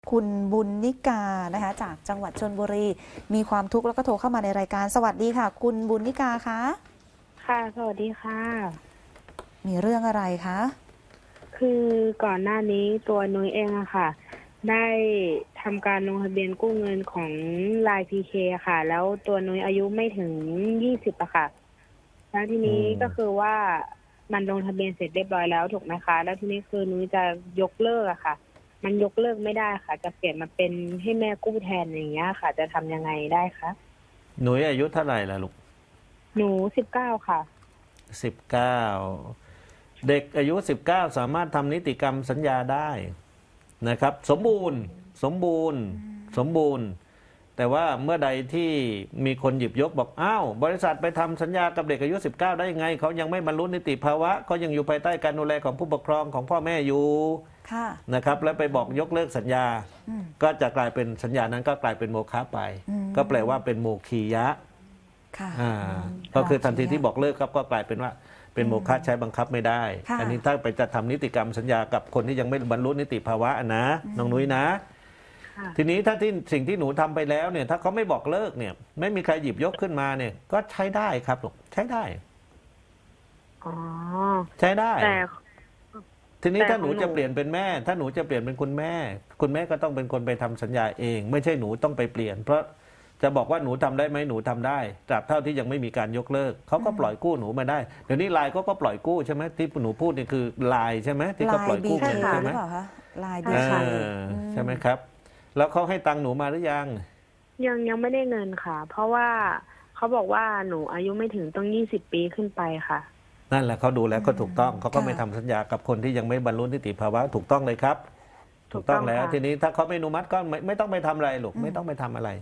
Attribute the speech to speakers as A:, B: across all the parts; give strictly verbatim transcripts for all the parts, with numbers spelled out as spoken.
A: คุณบุญนิกานะคะจากจังหวัดชลบุรีมีความทุกข์แล้วก็โทรเข้ามาในรายการสวัสดีค่ะคุณบุญนิกาคะ
B: ค่ะสวัสดีค่ะ
A: มีเรื่องอะไรคะ
B: คือก่อนหน้านี้ตัวนุ้ยเองอะค่ะได้ทำการลงทะเบียนกู้เงินของ ไลน์ พี เค ค่ะแล้วตัวนุ้ยอายุไม่ถึงยี่สิบอะค่ะแล้วทีนี้ก็คือว่ามันลงทะเบียนเสร็จเรียบร้อยแล้วถูกไหมคะแล้วทีนี้คือนุ้ยจะยกเลิกอะค่ะมันยกเลิกไม่ได้ค่ะจะเปลี่ยนมาเป็นให้แม่กู้แทนอย่างเงี้ยค่ะจะทำยังไงได้คะ
C: หนูอายุเท่าไหร่ล่ะลูก
B: หนูสิบเก้าค่ะ
C: สิบเก้าเด็กอายุสิบเก้าสามารถทำนิติกรรมสัญญาได้นะครับ สมบูรณ์สมบูรณ์สมบูรณ์ แต่ว่าเมื่อใดที่มีคนหยิบยกบอกอ้าวบริษัทไปทำสัญญากับเด็กอายุสิบเก้าได้ยังไงเขายังไม่บรรลุนิติภาวะเขายังอยู่ภายใต้การดูแลของผู้ปกครองของพ่อแม่อยู่นะครับแล้วไปบอกยกเลิกสัญญาก็จะกลายเป็นสัญญานั้นก็กลายเป็นโมฆะไปก็แปลว่าเป็นโมคียะก็คือทันทีที่บอกเลิกครับก็กลายเป็นว่าเป็นโมฆะใช้บังคับไม่ได้อันนี้ถ้าไปจะทำนิติกรรมสัญญากับคนที่ยังไม่บรรลุนิติภาวะนะน้องนุ้ยนะทีนี้ถ้าที่สิ่งที่หนูทำไปแล้วเนี่ยถ้าเขาไม่บอกเลิกเนี่ยไม่มีใครหยิบยกขึ้นมาเนี่ยก็ใช้ได้ครับลูกใช้ได้
B: อ๋อ
C: ใช้ได้
B: แต่
C: ทีนี้ถ้าหนูจะเปลี่ยนเป็นแม่ถ้าหนูจะเปลี่ยนเป็นคุณแม่คุณแม่ก็ต้องเป็นคนไปทำสัญญาเองไม่ใช่หนูต้องไปเปลี่ยนเพราะจะบอกว่าหนูทำได้ไหมหนูทำได้ตราบเท่าที่ยังไม่มีการยกเลิกเขาก็ปล่อยกู้หนูมาได้เดี๋ยวนี้ไลน์ก็ก็ปล่อยกู้ใช่ไหมที่หนูพูดนี่คือไลน์ใช่ไหมที่เขาปล่อยกู้ใช่ไหม
A: ไลน์บีเค
C: ใช่ไหมครับแล้วเขาให้ตังค์หนูมาหรือยัง
B: ยังยังไม่ได้เงินค่ะเพราะว่าเขาบอกว่าหนูอายุไม่ถึงต้องยี่สิบปีขึ้นไปค่ะ
C: นั่นแหละเขาดูแล้วก็ถูกต้องเขาก็ไม่ทำสัญญากับคนที่ยังไม่บรรลุนิติภาวะถูกต้องเลยครับถูกต้องแล้วทีนี้ถ้าเขาไม่อนุมัติก็ไม่ไม่ต้องไปทำอะไรหรอกไม่ต้องไปทำอะไร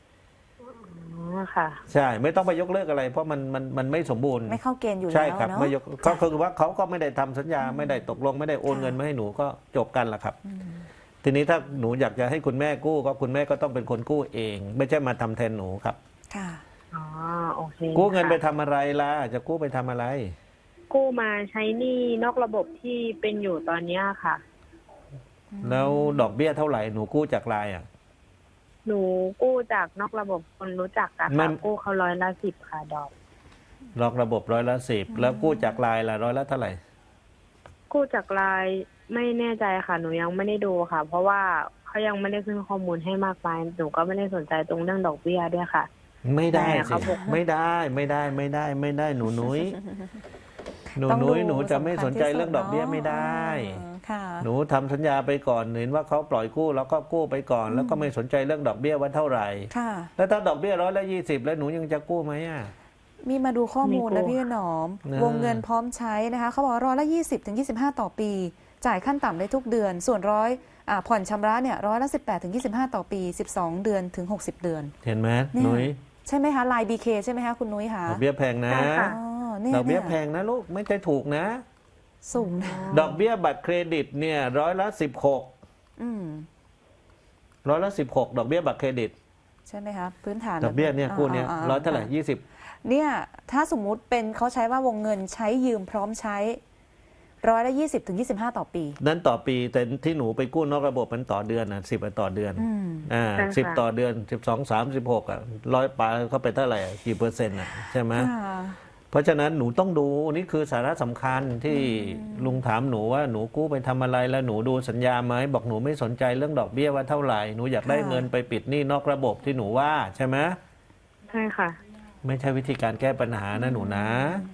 B: ค่ะ
C: ใช่ไม่ต้องไปยกเลิกอะไรเพราะมันมันมันไม่สมบูรณ์
A: ไม่เข้าเกณฑ์อยู่แล้ว
C: ใช่ครับไม่ยกก็คือว่าเขาก็ไม่ได้ทำสัญญาไม่ได้ตกลงไม่ได้โอนเงินมาให้หนูก็จบกันละครับทีนี้ถ้าหนูอยากจะให้คุณแม่กู้ก็คุณแม่ก็ต้องเป็นคนกู้เอง ไม่ใช่มาทำแทนหนูครับ
A: ค่ะ
B: อ๋อโอเค
C: กู้เงินไปทำอะไรล่ะจะกู้ไปทำอะไร
B: กู้มาใช้หนี้นอกระบบที่เป็นอยู่ตอนนี้ค่ะ
C: แล้วดอกเบี้ยเท่าไหร่หนูกู้จากไลน์อ่ะ
B: หนูกู้จากนอกระบบคนรู้จักกันค่ะกู้เขาร้อยละสิบค่ะดอก
C: นอกระบบร้อยละสิบแล้วกู้จากไลน์ล่ะร้อยละเท่าไหร่
B: กู้จากไลน์ไม่แน่ใจค่ะหนูยังไม่ได้ดูค่ะ เพราะว่าเขายังไม่ได้ขึ้นข้อมูลให้มากมายหนูก็ไม่ได้สนใจตรงเรื่องดอกเบี้ยด้วยค่ะ
C: ไม่ได้สิไม่ได้ไม่ได้ไม่ได้ไม่ได้หนูนุ้ยหนูนุ้ยหนูจะไม่สนใจเรื่องดอกเบี้ยไม่ได้หนูทำสัญญาไปก่อนเห็นว่าเขาปล่อยกู้แล้วก็กู้ไปก่อนแล้วก็ไม่สนใจเรื่องดอกเบี้ยว่าเท่าไหร่แล้วถ้าดอกเบี้ยร้อยละยี่สิบแล้วหนูยังจะกู้ไหมอ่ะ
A: มีมาดูข้อมูลนะพี่หนอมวงเงินพร้อมใช้นะคะเขาบอกร้อยละยี่สิบถึงยี่สิบห้าต่อปีจ่ายขั้นต่ำได้ทุกเดือนส่วนร้อยผ่อนชำระเนี่ยร้อยละสิบแปดถึงยี่สิบห้าต่อปีสิบสองเดือนถึงหกสิบเดือน
C: เห็นไหมนุ้ย
A: ใช่ไหมคะไลน์บีเคใช่ไหมคะคุณนุ้ยคะ
C: ดอกเบี้ยแพงนะดอกเบี้ยแพงนะลูกไม่ใช่ถูกนะ
A: สูงนะ
C: ดอกเบี้ยบัตรเครดิตเนี่ยร้อยละสิบหกร้อยละสิบหกดอกเบี้ยบัตรเครดิต
A: ใช่ไหมคะพื้นฐาน
C: ดอกเบี้ยเนี่ยกู้เนี่ยร้อยเท่าไหร่ยี่สิบ
A: เนี่ยถ้าสมมุติเป็นเขาใช้ว่าวงเงินใช้ยืมพร้อมใช้ร้อยละยี่สิบถึงยี่สิบห้าต่อปี
C: นั้นต่อปีแต่ที่หนูไปกู้นอกระบบมันต่อเดือนนะสิบต่อเดือนอ่าสิบต่อเดือนสิบสองสามสิบหกอ่ะร้อยปลาเข้าไปเท่าไหร่กี่เปอร์เซ็นต์อ่ะใช่ไหมเพราะฉะนั้นหนูต้องดูนี่คือสาระสำคัญที่ลุงถามหนูว่าหนูกู้ไปทำอะไรแล้วหนูดูสัญญาไหมบอกหนูไม่สนใจเรื่องดอกเบี้ยว่าเท่าไหร่หนูอยากได้เงินไปปิดหนี้นอกระบบที่หนูว่าใช่ไหม
B: ใช่ค่ะ
C: ไม่ใช่วิธีการแก้ปัญหานะหนูนะ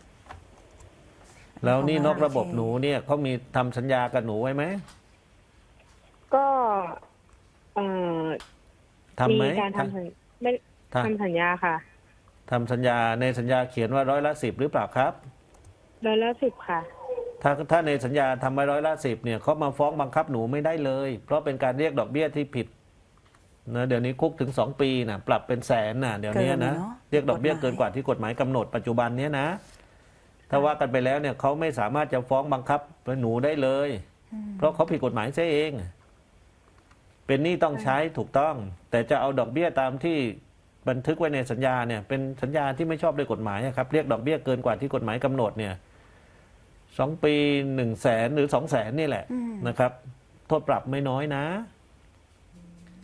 C: แล้วนี่นอกระบบหนูเนี่ยเขามีทำสัญญากับหนูไว้ไหม
B: ก็เอ่อ
C: ทำไหม
B: มีการทำไม่ทำสัญญาค่ะ
C: ทำสัญญาในสัญญาเขียนว่าร้อยละสิบหรือเปล่าครับ
B: ร้อยละสิบค่ะ
C: ถ้าถ้าในสัญญาทำไว้ร้อยละสิบเนี่ยเขามาฟ้องบังคับหนูไม่ได้เลยเพราะเป็นการเรียกดอกเบี้ยที่ผิดนะเดี๋ยวนี้คุกถึงสองปีนะปรับเป็นแสนนะเดี๋ยวนี้นะเรียกดอกเบี้ยเกินกว่าที่กฎหมายกำหนดปัจจุบันนี้นะถ้าว่ากันไปแล้วเนี่ยเขาไม่สามารถจะฟ้องบังคับหนูได้เลยเพราะเขาผิดกฎหมายซะเองเป็นหนี้ต้องใช้ถูกต้องแต่จะเอาดอกเบี้ยตามที่บันทึกไว้ในสัญญาเนี่ยเป็นสัญญาที่ไม่ชอบด้วยกฎหมายครับเรียกดอกเบี้ยเกินกว่าที่กฎหมายกำหนดเนี่ยสองปีหนึ่งแสนหรือสองแสนนี่แหละนะครับโทษปรับไม่น้อยนะ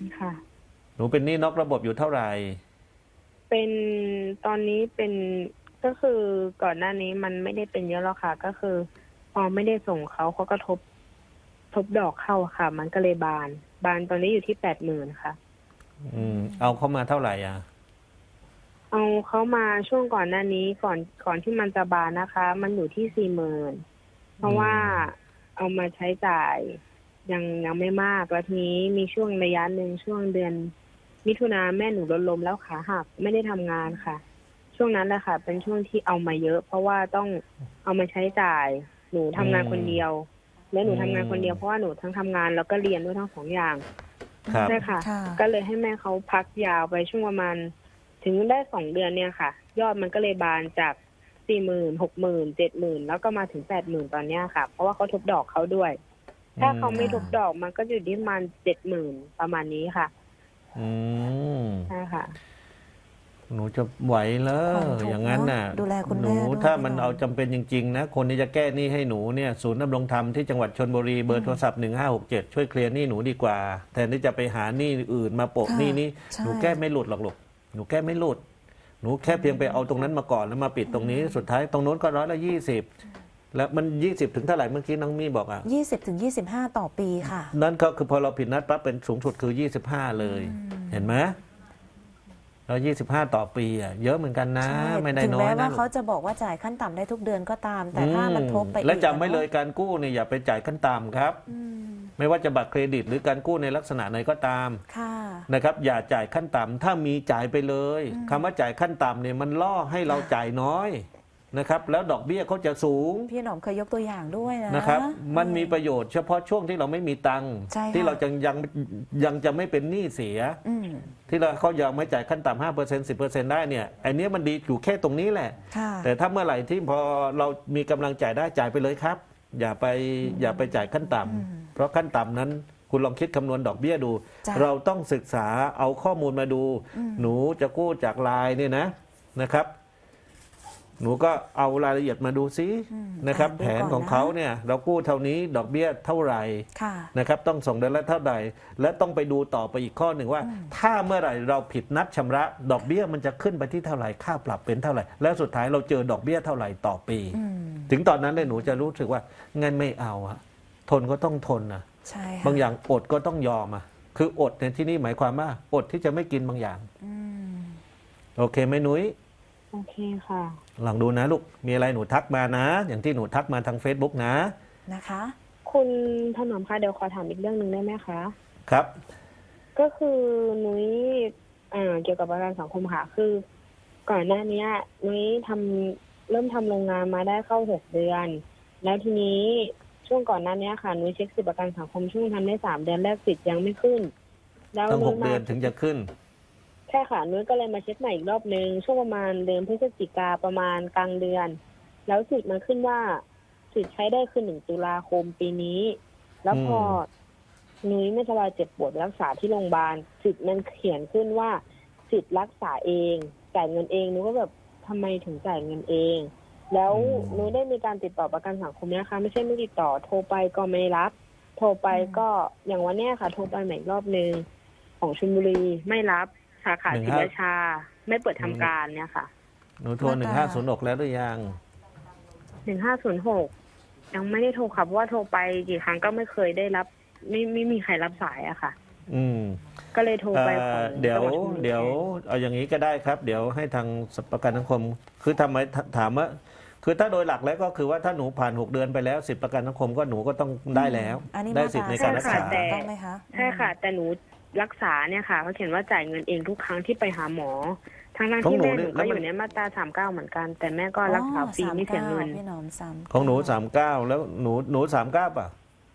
B: ค่ะ
C: หนูเป็นหนี้นอกระบบอยู่เท่าไหร่
B: เป็นตอนนี้เป็นก็คือก่อนหน้านี้มันไม่ได้เป็นเยอะหรอกค่ะ ก็คือ พอไม่ได้ส่งเขาเขาก็ทบทบดอกเข้าค่ะ มันก็เลยบาน บานตอนนี้อยู่ที่แปดหมื่นค่ะ
C: อืมเอาเข้ามาเท่าไหร่อ่ะ
B: เอาเขามาช่วงก่อนหน้านี้ก่อนก่อนที่มันจะบานนะคะ มันอยู่ที่สี่หมื่นเพราะว่าเอามาใช้จ่ายยังยังไม่มากแล้วทีนี้มีช่วงระยะหนึ่งช่วงเดือน มิถุนาแม่หนูรถล้มแล้วขาหักไม่ได้ทำงานค่ะ ช่วงนั้นแหละค่ะ เป็นช่วงที่เอามาเยอะ เพราะว่าต้องเอามาใช้จ่าย หนูทำงานคนเดียว แล้วหนูทำงานคนเดียวเพราะว่าหนูทั้งทำงานแล้วก็เรียนด้วยทั้งสองอย่าง
C: ครับ
B: ใช่ค่ะ
A: ค่ะ
B: ก็เลยให้แม่เขาพักยาวไปช่วงประมาณ ถึงได้สองเดือนเนี่ยค่ะ ยอดมันก็เลยบานจากสี่หมื่นหกหมื่นเจ็ดหมื่นแล้วก็มาถึงแปดหมื่นตอนเนี้ยค่ะ เพราะว่าเขาทบดอกเขาด้วย ถ้าเขาไม่ทบดอกมันก็อยู่ที่ประมาณเจ็ดหมื่นประมาณนี้ค่ะ
C: อืม
B: ใช่ค่ะ
C: หนูจะไหวเหรอ
A: ผ่อนทุกข์
C: อย่างนั้นน่ะ
A: เนอะดูแลคุณ
C: ห
A: แม่
C: นู
A: ด้วย
C: ถ้ามัน
A: พี่หนอม
C: เอาจำเป็นจริงๆนะคนที่จะแก้หนี้ให้หนูเนี่ยศูนย์ดำรงธรรมที่จังหวัดชลบุรีเบอร์โทรศัพท์หนึ่งห้าหกเจ็ดช่วยเคลียร์หนี้หนูดีกว่าแทนที่จะไปหาหนี้อื่นมาโปะ
A: ค่ะ
C: หนี้นี้
A: ใช่
C: หนูแก้ไม่หลุดหรอกลูกหนูแก้ไม่หลุด หนูแค่เพียงไปเอาตรงนั้นมาก่อนแล้วมาปิดตรงนี้สุดท้ายตรงโน้นก็ร้อยละยี่สิบแล้วมันยี่สิบถึงเท่าไหร่เมื่อกี้น้องมี่บอกอ่ะ
A: ยี่สิบถึงยี่สิบห้าต่อปีค่ะ
C: นั่นก็คือพอเราผิดนัดปั๊บเป็นสูงสุดคือยี่สิบห้าเลย เห็นไหมแล้วยี่สิบห้าต่อปีอ่ะเยอะเหมือนกันนะ
A: ใช่
C: ไม่ได้
A: ถึง
C: น้อ
A: แม้
C: ย
A: ว่า
C: นะ
A: เขาจะบอกว่าจ่ายขั้นต่ำได้ทุกเดือนก็ตาม แต่ถ้ามันทบไปอีก
C: และจำไว้
A: อะ
C: เลยการกู้เนี่ยอย่าไปจ่ายขั้นต่ำครับ
A: อืม
C: ไม่ว่าจะบัตรเครดิต หรือการกู้ในลักษณะไหนก็ตาม
A: ค่ะ
C: นะครับ อย่าจ่ายขั้นต่ำถ้ามีจ่ายไปเลย
A: อืม
C: คำว่าจ่ายขั้นต่ำเนี่ยมันล่อให้เราจ่ายน้อยนะครับ แล้วดอกเบี้ยเขาจะสูง
A: พี่หนอมเคยยกตัวอย่างด้วยนะ
C: นะครับ มันมีประโยชน์เฉพาะช่วงที่เราไม่มีตังค์
A: ใช่ค่ะ
C: ที่เราจะยังยังจะไม่เป็นหนี้เสีย
A: อืม
C: ที่เราเขายอมไม่จ่ายขั้นต่ำห้าเปอร์เซ็นต์สิบเปอร์เซ็นต์ได้เนี่ยไอ้เนี้ยมันดีอยู่แค่ตรงนี้แหละ
A: ค่ะ
C: แต่ถ้าเมื่อไหร่ที่พอเรามีกำลังจ่ายได้จ่ายไปเลยครับ อย่าไปอย่าไปจ่ายขั้นต่ำ
A: อืม
C: เพราะขั้นต่ำนั้น คุณลองคิดคำนวณดอกเบี้ยดู
A: จ้ะ
C: เราต้องศึกษาเอาข้อมูลมาดู
A: อืม
C: หนูจะกู้จากไลน์เนี่ยนะนะครับ หนูก็เอารายละเอียดมาดูซิ
A: อืม
C: นะครับ
A: อ่าดู
C: แผน
A: ก่
C: ของเขาเนี่ย เรากู้เท่านี้ดอกเบี้ยเท่าไหร่
A: ค่ะ
C: นะครับต้องส่งเดือนละเท่าไหร่และต้องไปดูต่อไปอีกข้อหนึ่งว่า ถ้าเมื่อไหร่เราผิดนัดชำระ ดอกเบี้ยมันจะขึ้นไปที่เท่าไหร่ค่าปรับเป็นเท่าไหร่ แล้วสุดท้ายเราเจอดอกเบี้ยเท่าไหร่ต่อปี
A: อืม
C: ถึงตอนนั้นเลยหนูจะรู้สึกว่างั้นไม่เอาอะทนก็ต้องทนนะ
A: ใช่ค่ะ
C: บางอย่างอดก็ต้องยอมอะคืออดในที่นี้หมายความว่าอดที่จะไม่กินบางอย่าง
A: อืม
C: โอเคไหมหนุ้ย
B: โอเคค่ะ
C: ลองดูนะลูกมีอะไรหนูทักมานะ อย่างที่หนูทักมาทาง Facebook นะ
A: นะคะ
B: คุณถนอมคะเดี๋ยวขอถามอีกเรื่องหนึ่งได้ไหมคะ
C: ครับ
B: ก็คือนุ้ยเอ่อเกี่ยวกับประกันสังคมค่ะ คือ ก่อนหน้านี้นุ้ยทำเริ่มทำโรงงานมาได้เข้าหกเดือน แล้วทีนี้ช่วงก่อนหน้านี้ค่ะนุ้ยเช็คสิทธิประกันสังคมช่วงทำได้สามเดือนแรกสิทธิ์ยังไม่ขึ้น แล้ว
C: ต้องหก
B: นุ้ยมา
C: เดือนถึงจะขึ้น
B: ใช่ค่ะนุ้ยก็เลยมาเช็คใหม่อีกรอบนึงช่วงประมาณเดือนพฤศจิกาประมาณกลางเดือน แล้วสิทธิ์มันขึ้นว่าสิทธิ์ใช้ได้คือหนึ่งตุลาคมปีนี้ แล้วพอนุ้ยไม่สบายเจ็บปวดรักษาที่โรงพยาบาลสิทธิ์มันเขียนขึ้นว่าสิทธิ์รักษาเองจ่ายเงินเองนุ้ยก็แบบทำไมถึงจ่ายเงินเอง แล้ว
C: อืม
B: นุ้ยได้มีการติดต่อประกันสังคมนะคะไม่ใช่ไม่ติดต่อโทรไปก็ไม่รับ โทรไปก็อย่างวันเนี้ยค่ะ โทรไปใหม่อีกรอบนึงของชลบุรีไม่รับสาขาศรีราชา ไม่เปิดทำการเนี่ยค่ะ
C: หนูโทรหนึ่งห้าศูนย์หกแล้วหรือยัง
B: หนึ่งห้าศูนย์หกยังไม่ได้โทรค่ะเพราะว่าโทรไปกี่ครั้งก็ไม่เคยได้รับ ไม่ไม่มีใครรับสายอะค่ะ
C: อืม
B: ก็เลยโทรไปขอ
C: เอ่อง เดี๋ยว
B: จังหชลบุรี
C: เดี๋ยวเอาอย่างนี้ก็ได้ครับ เดี๋ยวให้ทางประกันสังคม คือทำไมถามว่า คือถ้าโดยหลักแล้วก็คือว่าถ้าหนูผ่านหกเดือนไปแล้วสิทธิประกันสังคมก็หนูก็ต้องได้แล้ว
A: อันนี้
C: ได้
A: มา
C: สิทธิ์ใน
A: ตรา
C: การรักษา
A: สามสิบต้องไหมคะ
B: ใช่ค่ะ แต่หนูรักษาเนี่ยค่ะเขาเขียนว่าจ่ายเงินเองทุกครั้งที่ไปหาหมอทั้งนั้น
C: ของ
B: ที่
C: หนู
B: แม่ห
C: เนี่
B: นู
C: ยแล้
B: ก็
C: ว
B: อ
C: มัน
B: ยู่ในมาตราสามเก้าเหมือนกัน แต่แม่ก็รักษาฟรีไม่เสียเงิน
A: พี่หนอมซ้ำ
C: ของหนูสามเก้าแล้วหนูหนูสามเก้าป่ะ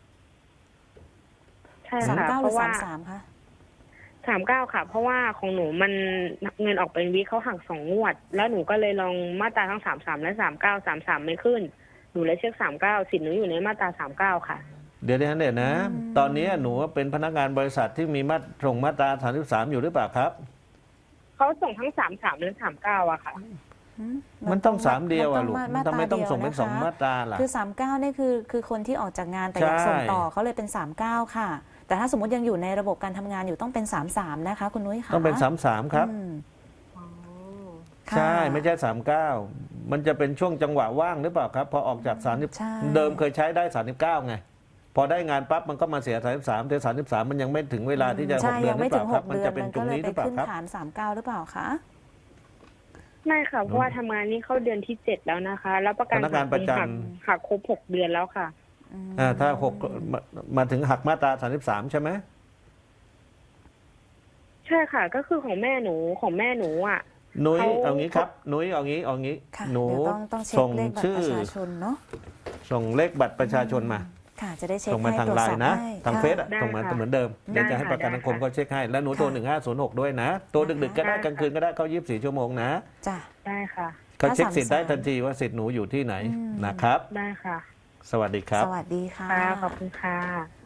B: ใช่
A: สาม
B: ค่ะ
A: เก้าห
B: เพ
A: รือ
B: ราะ
A: สา
B: ว่า
A: มสามคะ
B: สามเก้าค่ะ เพราะว่าของหนูมันเงินออกเป็นวิเขาหักสองงวด แล้วหนูก็เลยลองมาตราทั้งสามสามและสามเก้าสามสามไม่ขึ้น หนูเลยเช็คสามเก้าสิทธิ์หนูอยู่ในมาตราสามเก้าค่ะ
C: เดี๋ยวเดี๋ยวเดี๋ยวนะ ตอนนี้หนูเป็นพนักงานบริษัทที่มีมาตรส่งมาตราสามสิบสามอยู่หรือเปล่าครับ
B: เขาส่งทั้งสามสามและสามเก้าอะค่ะ
A: อื
C: มันต้องสามเดียวอ่ะลูก
A: มา
C: ทำไมต้องส่งเป็น
A: าตรา
C: สอง
A: ดียวะคะ
C: มาตราล่ะ
A: คือสามเก้านี่คือคือคนที่ออกจากงานแต่อยาก
C: ใช่
A: ส่งต่อเขาเลยเป็นสามเก้าค่ะแต่ถ้าสมมติยังอยู่ในระบบการทำงานอยู่ต้องเป็น สามสาม นะคะคุณนุ้ยค่ะ
C: ต้องเป็นสามสามครับ
A: อืม
B: อ๋อ
A: ค่ะ
C: ใช่ไม่ใช่สามเก้ามันจะเป็นช่วงจังหวะว่างหรือเปล่าครับ พอออกจากสามสิบ
A: ใช่
C: เดิมเคยใช้ได้สามสิบเก้าไง พอได้งานปั๊บมันก็มาเสียสามสิบสามแต่สามสิบสามมันยังไม่ถึงเวลาที่จะห
A: ใช่
C: กเดือ
A: ยั
C: น
A: ง
C: หรื
A: ไม่
C: อเป
A: ถึ
C: ล่าง ครับ
A: หก
C: มัน
A: เดือน
C: จะเป็น
A: มัน
C: ตร
A: ก็
C: ง
A: เลย
C: นี้ห
A: ไป
C: รือเปล่า
A: ขึ้น
C: ครับ
A: ฐาน สามเก้า หรือเปล่าคะ
B: ไม่ค่ะเพราะว่าทำงานนี้เข้าเดือนที่เจ็ดแล้วนะคะ แล้วประกัน
C: พนักงานประจำ
B: หักหักครบหกเดือนแล้วค่ะ
A: อืม
C: อ่าถ้าหกมามาถึงหักมาตราสามสิบสามใช่ไหม
B: ใช่ค่ะ ก็คือของแม่หนูของแม่หนูอ่ะ
C: นุ้ย
B: เขา
C: เอางี้ครับ นุ้ยเอางี้เอางี้
A: ค่ะ
C: หนู
A: เดี๋ยวต้องต้องเช็ค
C: ส่ง
A: เลขบัตร
C: ชื่อ
A: ประชาชนเนาะ
C: ส่งเลขบัตรประชาชนมา
A: ค่ะ จะได้เช็ค
C: ส่งมา
A: ให้
C: ทาง
A: ตรวจ
C: ไล
A: สอบ
C: น์นะ
A: ให้
C: ทาง
A: ค่ะ
C: เฟซอะ
B: ได้
C: ส่งมา
B: ค่ะ
C: เหมือนเดิมเดี๋ยว
B: ได้
C: จะให้
B: ค่ะ
C: ประกันสังคม
B: ได้ค่ะ
C: เขาเช็คให้ แล้วหนูโทร
A: ค่ะ
C: หนึ่งห้าศูนย์หกด้วยนะโทรดึกๆก็ได้
B: ได้ค่ะ
C: กลางคืนก็ได้เข้ายี่สิบสี่ชั่วโมงนะ
A: จ้ะ
B: ได้ค่ะ
C: เขาเช็ค
A: ถ้า
C: สิทธิ์ได้
A: สามสาม
C: ทันทีว่าสิทธิ์หนูอยู่ที่ไหน
A: อืม
C: นะครับ
B: ได้ค่ะ
C: สวัสดีครับ
A: สวัสดีค่ะ
B: ค่ะขอบคุณค่ะ